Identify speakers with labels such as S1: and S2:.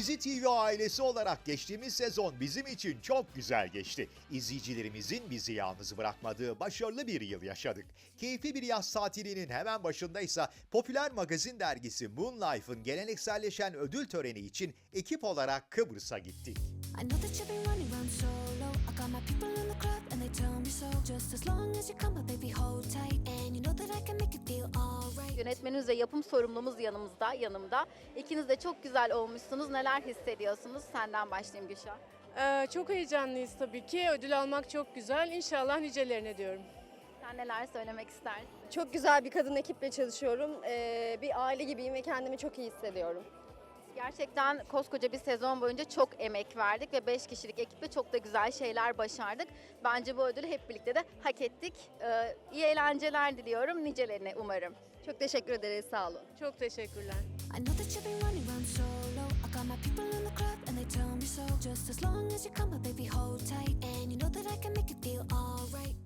S1: Dizi TV ailesi olarak geçtiğimiz sezon bizim için çok güzel geçti. İzleyicilerimizin bizi yalnız bırakmadığı başarılı bir yıl yaşadık. Keyifli bir yaz tatilinin hemen başındaysa popüler magazin dergisi Moonlife'ın gelenekselleşen ödül töreni için ekip olarak Kıbrıs'a gittik.
S2: I know that you've been running around solo. I got my people in the club and they tell me so. Just as long as you come, but baby, hold tight. And you know that I can make you feel alright.
S3: Yönetmenimiz ve yapım sorumlumuz yanımda. İkiniz de çok güzel olmuşsunuz. Neler hissediyorsunuz? Senden başlayayım Gülşah.
S4: Çok heyecanlıyız tabii ki. Ödül almak çok güzel. İnşallah nicelerine diyorum.
S3: Sen neler söylemek istersin?
S5: Çok güzel bir kadın ekiple çalışıyorum. Bir aile gibiyim ve kendimi çok iyi hissediyorum.
S3: Gerçekten koskoca bir sezon boyunca çok emek verdik ve 5 kişilik ekiple çok da güzel şeyler başardık. Bence bu ödülü hep birlikte de hak ettik. İyi eğlenceler diliyorum. Nicelerine umarım.
S5: Çok teşekkür ederiz, sağ olun.
S4: Çok teşekkürler.
S2: I know that you've been running around solo. I got my people in the club and they tell me so. Just as long as you come, but baby, hold tight.